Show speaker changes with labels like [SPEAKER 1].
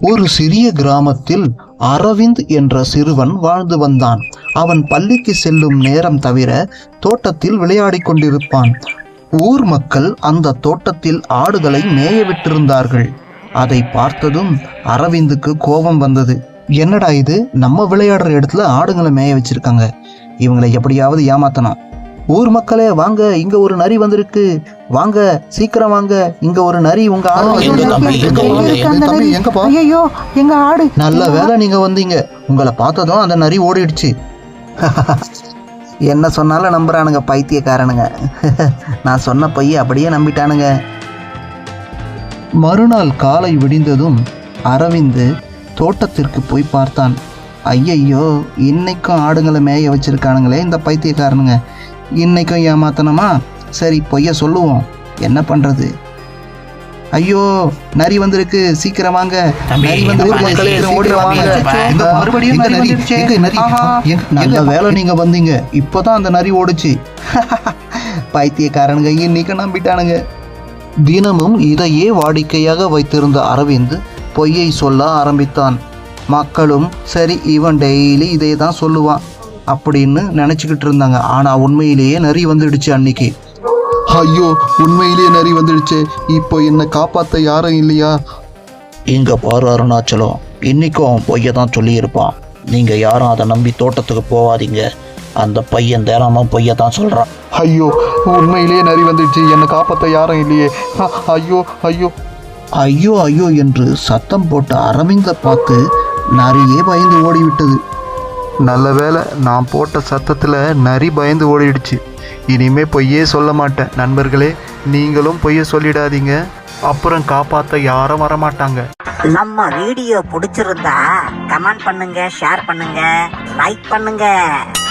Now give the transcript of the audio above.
[SPEAKER 1] ஒரு சிறிய கிராமத்தில் அரவிந்த் என்ற சிறுவன் வாழ்ந்து வந்தான். அவன் பள்ளிக்கு செல்லும் நேரம் தவிர தோட்டத்தில் விளையாடிக் கொண்டிருப்பான். ஊர் மக்கள் அந்த தோட்டத்தில் ஆடுகளை மேய விட்டிருந்தார்கள். அதை பார்த்ததும் அரவிந்துக்கு கோபம் வந்தது. என்னடா இது, நம்ம விளையாடுற இடத்துல ஆடுகளை மேய வச்சிருக்காங்க, இவங்களை எப்படியாவது ஏமாத்தணும். ஊர் மக்களே வாங்க, இங்க ஒரு நரி வந்திருக்கு, வாங்க சீக்கிரம் வாங்க, இங்க ஒரு நரி உங்க ஆடு.
[SPEAKER 2] எங்க ஆடு.
[SPEAKER 1] நல்ல வேலை நீங்க வந்தீங்க, உங்களை பார்த்ததும் அந்த நரி ஓடிடுச்சு.
[SPEAKER 2] என்ன சொன்னாலும் நம்புறானுங்க பைத்தியக்காரனுங்க. நான் சொன்ன பைய அப்படியே நம்பிட்டானுங்க.
[SPEAKER 1] மறுநாள் காலை விடிந்ததும் அரவிந்து தோட்டத்திற்கு போய் பார்த்தான். ஐயையோ, இன்னைக்கும் ஆடுங்களை மேய வச்சிருக்கானுங்களே இந்த பைத்தியக்காரனுங்க, இன்னைக்கும் ஏமாத்தனமா? சரி, பொய்ய சொல்லுவோம், என்ன பண்றது? ஐயோ, நரி வந்திருக்கு, சீக்கிரம் வாங்க, நரி வந்திருக்கு, நல்ல வேலை நீங்க வந்தீங்க, இப்பதான் அந்த நரி ஓடுச்சு.
[SPEAKER 2] பைத்தியக்காரனுங்க இன்னைக்கு நம்பிட்டானுங்க.
[SPEAKER 1] தினமும் இதையே வாடிக்கையாக வைத்திருந்த அரவிந்த் பொய்யை சொல்ல ஆரம்பித்தான். மக்களும் சரி, இவன் டெய்லி இதை தான் சொல்லுவான் அப்படின்னு நினச்சிக்கிட்டு இருந்தாங்க. ஆனால் உண்மையிலேயே நரி வந்துடுச்சு அன்னைக்கு. ஐயோ, உண்மையிலேயே நரி வந்துடுச்சு, இப்போ என்னை காப்பாற்ற யாரும் இல்லையா? இங்கே பாரு அருணாச்சலம், இன்னைக்கும் அவன் பொய்யை தான் சொல்லியிருப்பான். நீங்கள் யாரும் அதை நம்பி தோட்டத்துக்கு போகாதீங்க, அந்த பையன் தேராமல் பொய்யை தான் சொல்கிறான். ஐயோ, உண்மையிலேயே நரி வந்துடுச்சு, என்னை காப்பாற்ற யாரும் இல்லையே, ஐயோ ஐயோ ஐயோ ஐயோ என்று சத்தம் போட்ட அரவிந்தை பார்த்து நரியே பயந்து ஓடிவிட்டது. நல்ல வேலை, நான் போட்ட சத்தத்தில் நரி பயந்து ஓடிடுச்சு. இனிமே பொய்யே சொல்ல மாட்டேன். நண்பர்களே, நீங்களும் பொய்யை சொல்லிடாதீங்க, அப்புறம் காப்பாற்ற யாரும் வரமாட்டாங்க.
[SPEAKER 3] நம்ம வீடியோ பிடிச்சிருந்தா கமெண்ட் பண்ணுங்க, ஷேர் பண்ணுங்க, லைக் பண்ணுங்க.